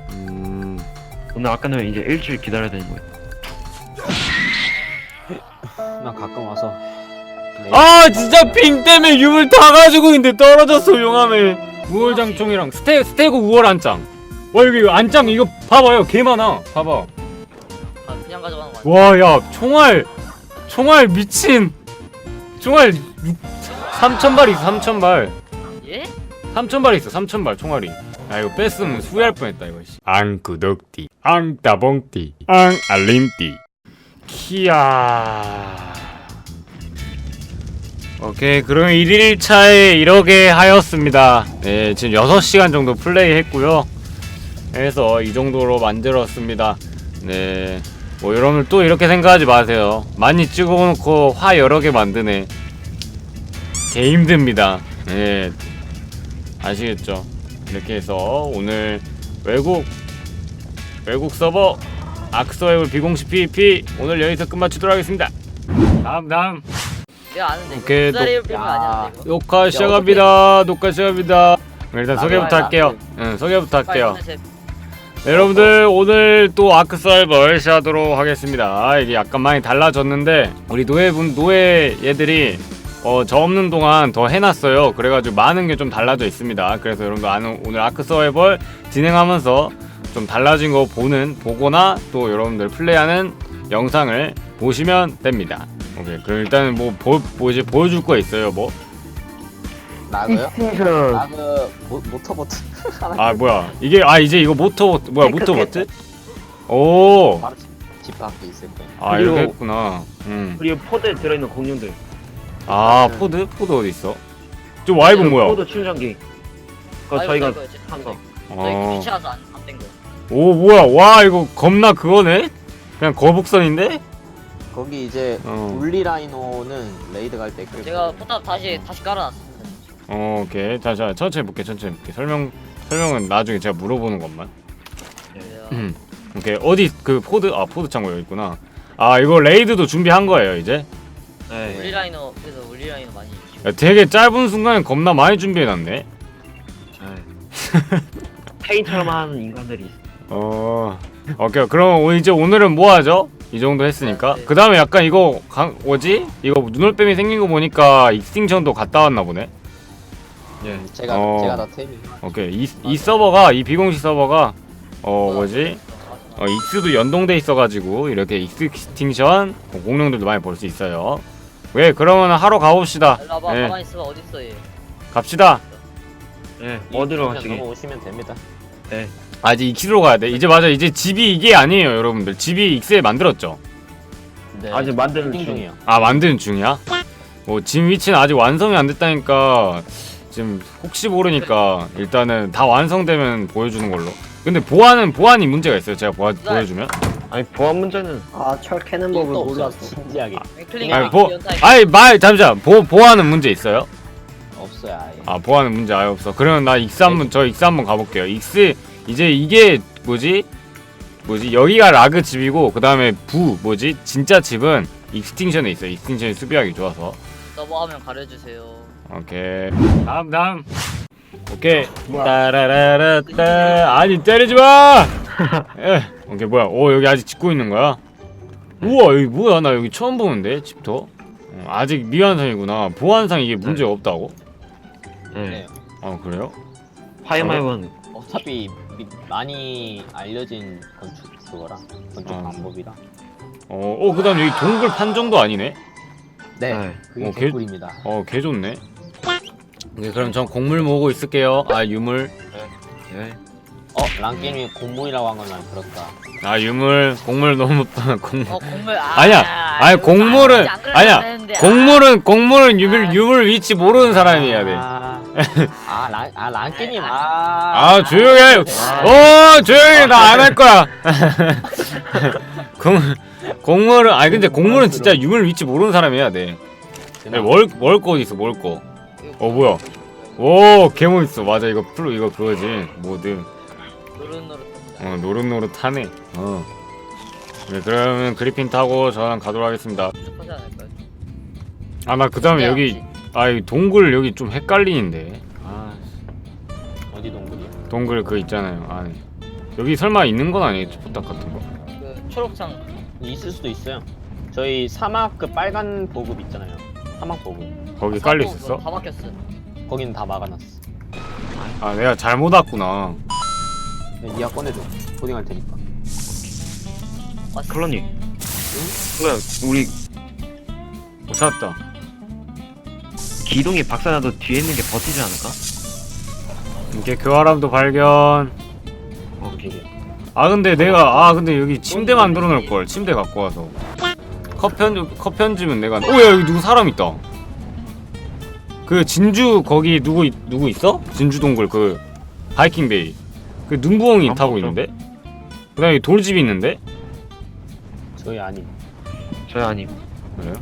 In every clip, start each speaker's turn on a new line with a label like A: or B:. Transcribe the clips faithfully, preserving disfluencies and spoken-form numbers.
A: 음.
B: 오늘 아까는 이제 일주일 기다려야 되는 거예요.
C: 난 가끔 와서
A: 아 진짜 빙 때문에 유물 다 가지고 있는데 떨어졌어 용암에. 우월장총이랑 스테 스테고 우월 안짱. 와 여기 안짱 이거 봐봐요 개 많아. 봐봐.
D: 아, 그냥 가져가는 거
A: 와 야 총알 총알 미친 총알 삼천 발 있어. 삼천 발.
D: 예?
A: 삼천 발 있어. 삼천 발 총알이. 야 이거 뺐으면 후회할 뻔했다 이거. 앙 구독띠 앙 따봉띠 앙 알림띠 키야. 오케이 그럼 일 일차에 이렇게 하였습니다. 네 지금 여섯 시간 정도 플레이 했고요. 그래서 이 정도로 만들었습니다. 네 뭐 여러분들 또 이렇게 생각하지 마세요. 많이 찍어놓고 화 여러 개 만드네. 개 힘듭니다. 네 아시겠죠? 이렇게 해서 오늘 외국 외국 서버 아크서웨블 비공식 피브이피 오늘 여기서 끝마치도록 하겠습니다. 다음 다음
D: 내가 아는데
A: 오케이,
D: 이거 두자리
A: 녹-
D: 필면 아니야 이거?
A: 녹화 시작합니다. 녹화 시작합니다. 일단
C: 나
A: 소개부터
C: 나
A: 할게요. 응, 소개부터 할게요.
D: 빨리 보내세요.
A: 네, 여러분들 오늘 또 아크서웨벌 시작하도록 하겠습니다. 이게 약간 많이 달라졌는데 우리 노예분 노예 얘들이 어, 저 없는 동안 더 해놨어요. 그래가지고 많은 게 좀 달라져 있습니다. 그래서 여러분들 아는 오늘 아크서웨벌 진행하면서 좀 달라진 거 보는 보거나 또 여러분들 플레이하는 영상을 보시면 됩니다. 오케이. 그럼 일단은 뭐, 보, 뭐 이제 보여줄 거 있어요. 뭐?
C: 나그요?
B: 스테이션.
C: 나그 모, 모터보트 하나
A: 아 뭐야? 이게 아 이제 이거 모터 뭐야 모터버트? 오.
C: 바로 집, 집 밖에 있을 거예요.
A: 아
B: 그리고-
A: 이렇게 했구나. 음.
B: 그리고 포드에 들어있는 공룡들.
A: 아 포드? 포드 어디 있어? 저 와이번 뭐야?
B: 포드 충전기. 그거
D: 아,
B: 저희가
D: 이거 이거
B: 한 거.
D: 저희
A: 어.
D: 귀찮아서 안된 거.
A: 오 뭐야? 와 이거 겁나 그거네? 그냥 거북선인데?
C: 거기 이제
A: 어.
C: 울리라이노는 레이드 갈 때 끌고
D: 제가 포탑 다시 다시 깔아놨어.
A: 어 오케이. 자, 자 천천히 볼게. 천천히 볼게. 설명 설명은 나중에 제가 물어보는 것만. 음. 오케이 어디 그 포드 아 포드 창고 여기 있구나. 아 이거 레이드도 준비한 거예요 이제?
B: 네.
D: 울리라이너 그래서 울리라이너 많이.
A: 야, 되게 짧은 순간에 겁나 많이 준비해놨네.
B: 네. 페인처럼 하는 인간들이 있어.
A: 어 오케이 그럼 오- 이제 오늘은 뭐 하죠? 이 정도 했으니까
D: 네.
A: 그 다음에 약간 이거 강, 뭐지? 이거 눈올빼미 생긴 거 보니까 익스팅션도 갔다 왔나 보네.
B: 예.
C: 제가
A: 어.
C: 제가 다 템이
A: 오케이 이, 이 서버가 이 비공식 서버가 어 뭐지? 어 익스도 연동돼 있어가지고 이렇게 익스팅션 어, 공룡들도 많이 볼 수 있어요. 왜 그러면 하러 가봅시다.
D: 일로 와봐.
A: 예.
D: 가만히 있어봐. 어디 있어 얘?
A: 갑시다.
B: 예. 어디로
C: 그냥
B: 가시게?
C: 넘어오시면 됩니다.
B: 예.
A: 아 이제 익스로 가야 돼. 이제 맞아 이제 집이 이게 아니에요 여러분들. 집이 익스에 만들었죠.
C: 네.
B: 아직 만드는
C: 중
B: 중.
C: 중이에요.
A: 아 만드는 중이야? 뭐 집 위치는 아직 완성이 안 됐다니까 지금 혹시 모르니까 일단은 다 완성되면 보여주는 걸로. 근데 보안은 보안이 문제가 있어요. 제가 보아, 보여주면.
B: 아니 보안 문제는
E: 아, 철 캐는 법을
C: 또
E: 몰랐어.
C: 없어. 진지하게
D: 클릭.
A: 아니 보 아니 말 잠시만 보 보안은 문제 있어요?
C: 없어요 아예.
A: 아 보안은 문제 아예 없어. 그러면 나 익스 한번 저 익스 한번 가볼게요. 익스 이제 이게 뭐지? 뭐지 여기가 라그 집이고 그 다음에 부 뭐지 진짜 집은 익스팅션에 있어. 익스팅션이 수비하기 좋아서.
D: 서버하면 가려주세요.
A: 오케이 다음 다음 오케이 따라라라따 아니 때리지 마. 에 오케이 뭐야 오 여기 아직 짓고 있는 거야? 우와 여기 뭐야 나 여기 처음 보는데 집터 어, 아직 미완성이구나. 보안상 이게 문제 없다고?
B: 예.
C: 네.
A: 아 그래요?
B: 파이마이번
C: 어차피 미, 많이 알려진 건축 그거라 건축
A: 아.
C: 방법이라.
A: 어, 어 그다음 여기 동굴 판정도 아니네.
C: 네.
B: 네.
C: 그게
A: 어, 개-
C: 개꿀입니다.
A: 어 개 좋네. 네 그럼 전 곡물 모으고 있을게요. 아 유물
B: 예.
C: 어 랑게임이 공무이라고 한 건 난 들었다.
A: 아 유물 곡물 너무 곡물
D: 어 곡물. 아,
A: 아니야. 아니
D: 이거
A: 곡물은
D: 안 그래도
A: 아니야.
D: 되는데.
A: 곡물은 곡물은 유물 유물 위치 모르는 사람이 해야 돼.
C: 아, 랑, 아 랑게님 아.
A: 아 조용해. 어 조용해. 나 안 할 거야. 곡 곡물은 아니 근데 곡물은 진짜 유물 위치 모르는 사람이 해야 돼. 월월거 어디 있어 월거. 어 뭐야? 오 개모 있어. 맞아 이거 프로 이거 그거지 모드.
D: 노릇노릇합니다.
A: 어 노릇노릇하네. 어. 네 그러면 그리핀 타고 저랑 가도록 하겠습니다.
D: 부족하지 않을까요?
A: 아 나 그 다음에
D: 네,
A: 여기
D: 혹시-
A: 아 이 동굴 여기 좀 헷갈리는데. 아
C: 어디 동굴이야?
A: 동굴 그 있잖아요 안에. 여기 설마 있는 건 아니겠지? 포탑 같은 거.
D: 그 초록창.
C: 있을 수도 있어요. 저희 사막 그 빨간 보급 있잖아요. 사막 보급.
A: 거기 깔려
D: 사고
A: 있었어?
D: 다 막혔어.
C: 거기는 다 막아놨어.
A: 아 내가 잘못 왔구나.
C: 네, 니가 꺼내줘. 코딩할 테니까.
D: 왔어.
B: 클로님. 그냥 우리
A: 못 찾았다.
B: 기둥이 박살나도 뒤에 있는 게 버티지 않을까?
A: 이렇게 교활함도 발견.
C: 오케이.
A: 아 근데 내가 아 근데 여기 침대 만들어 놓을 걸. 침대 갖고 와서. 컵 편, 컵 편집은 내가. 오야 여기 누구 사람 있다. 그 진주 거기 누구 있- 누구 있어? 진주 동굴 그 바이킹 베이. 그 눈부엉이
B: 아,
A: 타고
B: 맞다.
A: 있는데. 그다음에 돌집이 있는데.
C: 저희 아님.
B: 저희 아님.
A: 그래요?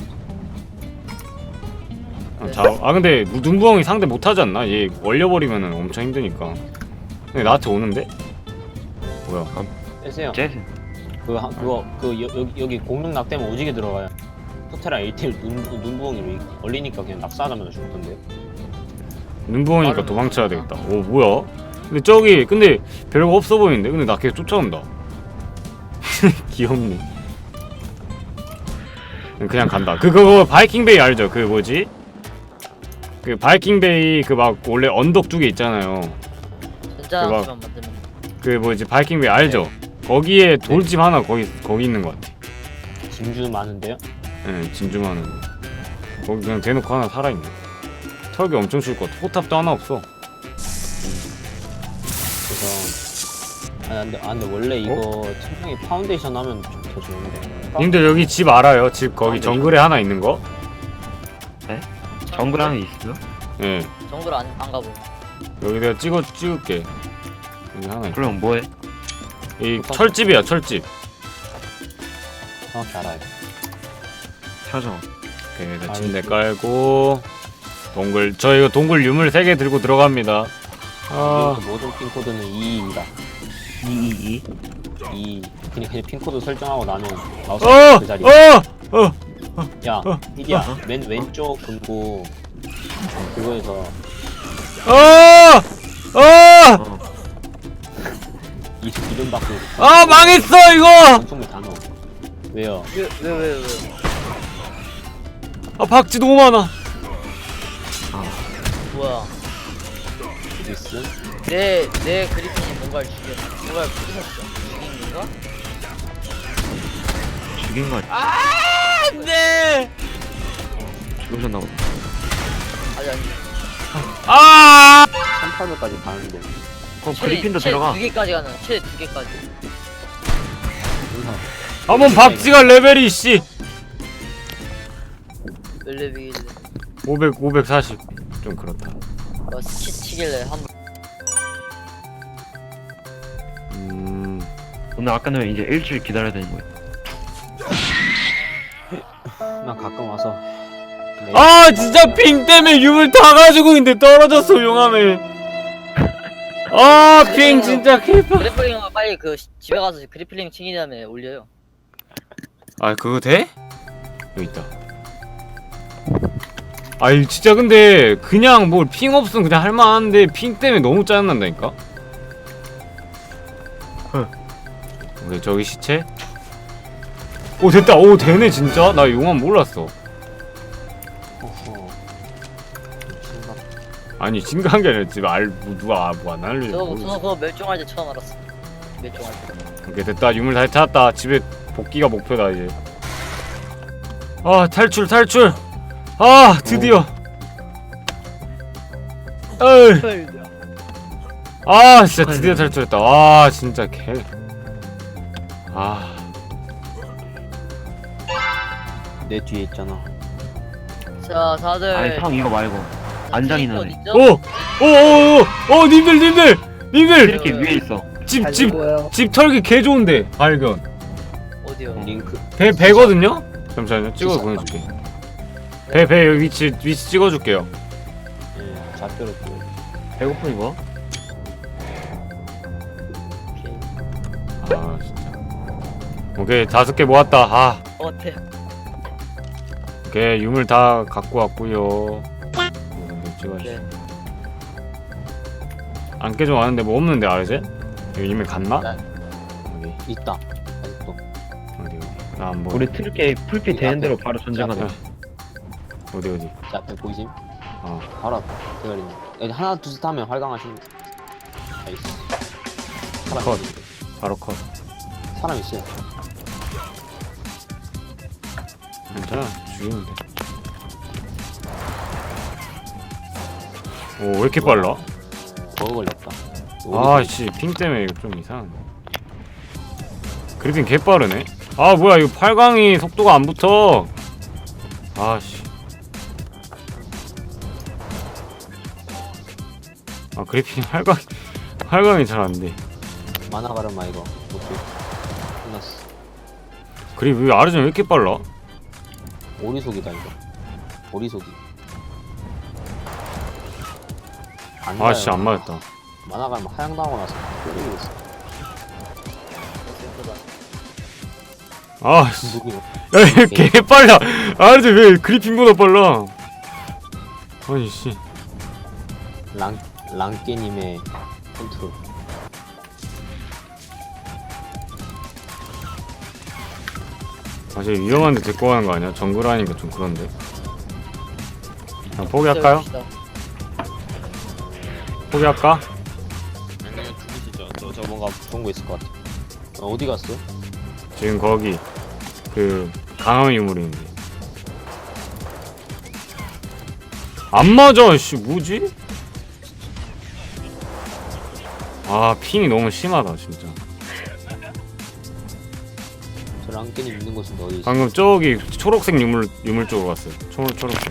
A: 아, 자, 아 근데 눈부엉이 상대 못하지 않나? 얘 얼려버리면은 엄청 힘드니까. 근데 나한테 오는데? 뭐야?
C: 빼세요.
B: 제
C: 그 한- 그거 그 여, 여기 여기 공룡 낙대면 오지게 들어가요. 토테라 에이텔 눈 눈부엉이로 얼리니까 그냥 낙사하자마자 죽던데요.
A: 눈부엉이니까
D: 빠르네.
A: 도망쳐야 되겠다. 오 뭐야? 근데 저기 근데 별거 없어 보이는데? 근데 나 계속 쫓아온다. 귀엽네. 그냥 간다. 그 그거 바이킹 베이 알죠? 그 뭐지? 그 바이킹 베이 그 막 원래 언덕 두 개 있잖아요.
D: 전자지만 만들면.
A: 그 뭐지 바이킹 베이 알죠? 거기에 돌집 하나 거기 거기 있는 것 같아.
C: 진주 많은데요.
A: 예, 진주만은 거기 그냥 대놓고 하나 살아있네. 털기 엄청 쉬울 것 같아. 포탑도 하나 없어.
C: 그래서 아 근데 아 근데 원래 이거 천장에 파운데이션 하면 좀 더 좋은데.
A: 님들 여기 집 알아요? 집 거기
C: 아, 네.
A: 정글에 하나 있는 거?
B: 정글 안에 있어?
A: 예.
D: 정글 안, 안 가보.
A: 여기 내가 찍어 찍을게. 여기 하나 있.
B: 그럼 뭐해?
A: 이 철집이야 철집.
C: 정확히 알아요.
B: 찾아.
A: 오케이, 나
C: 아이고.
A: 침대 깔고 동굴. 저 이거 동굴 유물 세 개 들고 들어갑니다. 아,
C: 아. 모든 핀 코드는 이입니다.
B: 이이이.
C: 이 그냥 그냥 핀 코드 설정하고 나면 마우스
A: 어,
C: 그 자리.
A: 어, 어.
C: 야, 이디야, 맨 왼쪽 금고 그거에서
A: 어! 어!
B: 어.
C: 이 이름 받고
A: 아 망했어 이거!
C: 방송물 다 넣어. 왜요?
D: 왜 왜 왜 왜?
A: 아 박쥐 너무 많아.
D: 뭐야?
C: 리스?
D: 내 내 그리핀이 뭔가를 죽였어. 뭔가를 부딪혔어. 죽인 건가?
B: 죽인 거
D: 안돼.
B: 죽으셨나 보다.
D: 아니 아니.
A: 아!
C: 삼팔백까지 가는데.
B: 그럼 그리핀도 들어가.
D: 두 개까지 가는. 최대 두 개까지.
A: 한번 박쥐가 레벨이 씨.
D: 웰레비길래.
A: 오백 오백사십. 좀 그렇다.
D: 어, 스키 치길래 한 번.
A: 음.
B: 오늘 아까는 이제 일주일 기다려야 되는 거야.
C: 난 가끔 와서. 네.
A: 아 진짜 핑 때문에 유물 다 가지고 있는데 떨어졌어 용암에. 아 핑 진짜 개빡.
D: 그래플링 빨리 그 시- 집에 가서 그래플링 챙긴 다음에 올려요.
A: 아 그거 돼? 여기 있다. 아이 진짜 근데 그냥 뭐 핑 없으면 그냥 할만한데 핑 때문에 너무 짜증난다니까. 오케이 저기 시체. 오 됐다. 오 되네 진짜. 나 용암 몰랐어.
C: 어허. 심각.
A: 아니 심각한 게 아니라 지금 알 뭐, 누가 뭐 안 알려.
D: 저, 저 그거 멸종할 때 처음 알았어. 멸종할 때.
A: 오케이 됐다. 유물 다 찾았다. 집에 복귀가 목표다 이제. 아 탈출 탈출. 아 드디어. 에이. 아 진짜 드디어 탈출했다. 와 진짜 개. 아.
C: 내 뒤에 있잖아.
D: 자 다들.
B: 아니 형 이거 말고 안장이는 애.
D: 있죠?
A: 오! 오오오! 오 님들 님들! 님들!
B: 이렇게 위에 있어.
A: 집 집 집 털기 개 좋은데 발견.
D: 어디요?
C: 링크.
A: 배 배거든요? 잠시만요. 찍어서 보내줄게. 배 배 여기 위치 위치 찍어줄게요.
C: 예, 좌표로 보여.
B: 배고픈 이거?
C: 오케이.
A: 아 진짜. 오케이 다섯 개 모았다. 아
D: 어때?
A: 오케이 유물 다 갖고 왔고요. 찍어주세요.
D: 네.
A: 안 깨져 왔는데 뭐 없는데 알지? 여기 이미 갔나?
C: 나-
A: 어디
C: 있다. 아직도.
A: 어디 어디 나안 보여.
B: 우리 트리케 풀피 되는 대로 바로 전쟁하자.
A: 어디 어디.
C: 자, 앞에 보이심?
A: 어.
C: 바로 앞에 대가리님. 여기 하나 둘셋 하면 활강하시면 돼. 나이스. 사람
A: 컷.
C: 있는데.
A: 바로 컷.
C: 사람 있어요.
A: 괜찮아. 죽이면 돼. 오 왜 이렇게 빨라?
C: 버그 걸렸다.
A: 아씨 핑 때문에 이거 좀 이상하네. 그리핀 개 빠르네. 아 뭐야 이거 팔 강이 속도가 안 붙어. 아씨. 아 그리핀 팔 강 팔 강이 잘 안 돼.
C: 만화 가르마 이거. 오케이. 끝났어.
A: 그리고 왜 아르전 왜 이렇게 빨라?
C: 오리속이다 이거. 오리속이. 안
A: 아씨
C: 가요.
A: 안 맞았다.
C: 만화 가르마 하향 당하고 나서 모르겠어.
A: 아씨.
C: 누구?
A: 야개 빨라. 아르전 왜 그리핀보다 빨라? 아니 씨.
C: 랑 랑깨님의 컨트롤.
A: 아 쟤 위험한데 데리고 가는 거 아니야? 정글 하니까 좀 그런데. 그냥 포기할까요? 포기할까?
C: 아니요 죽이시죠. 저, 저 뭔가 좋은 거 있을 것 같아. 어, 어디 갔어?
A: 지금 거기 그 강함 유물인데 안 맞아. 씨 뭐지? 아 핑이 너무 심하다 진짜.
C: 저 랑깨님 있는 곳은 어디 있어?
A: 방금 저기 초록색 유물 유물 쪽으로 갔어요. 초 초록색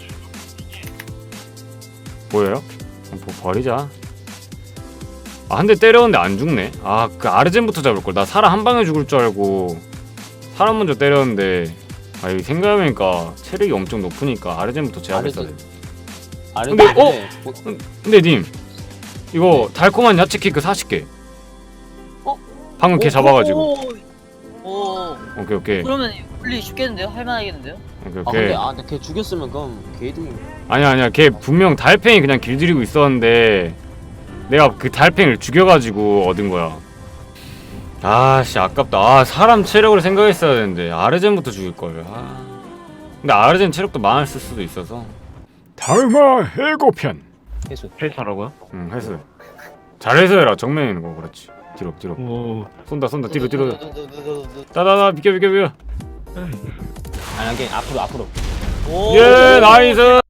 A: 보여요? 뭐 버리자. 아 한 대 때렸는데 안 죽네. 아 그 아르젠부터 잡을 걸. 나 사람 한 방에 죽을 줄 알고 사람 먼저 때렸는데 아 여기 생각해보니까 체력이 엄청 높으니까 아르젠부터 제압했어야 돼.
C: 아래
A: 근데, 어?
C: 뭐,
A: 근데 님 이거 달콤한 야채 케이크 사십 개.
D: 어?
A: 방금 걔 잡아가지고.
D: 오, 오.
A: 오케이 오케이
D: 그러면 풀리 쉽겠는데요? 할만하겠는데요?
A: 오케이
C: 아
A: 오케이.
C: 근데 아 근데 걔 죽였으면 그럼 걔도
A: 아니야 아니야 걔 분명 달팽이 그냥 길들이고 있었는데 내가 그 달팽이를 죽여가지고 얻은 거야. 아씨 아깝다. 아 사람 체력을 생각했어야 되는데 아르젠부터 죽일걸. 아 근데 아르젠 체력도 많았을 수도 있어서. 다음화 해고편.
C: 해수.
B: 헬사라고요?
A: 응 해서 잘해서 해라. 정면에 있는 거. 그렇지. 뒤로 뒤로
B: 오.
A: 쏜다 쏜다 뒤로 뒤로
D: 두두두두두두.
A: 따다다 비켜 비켜 비켜.
C: 아니 걔 앞으로 앞으로.
D: 오.
A: 예 나이스.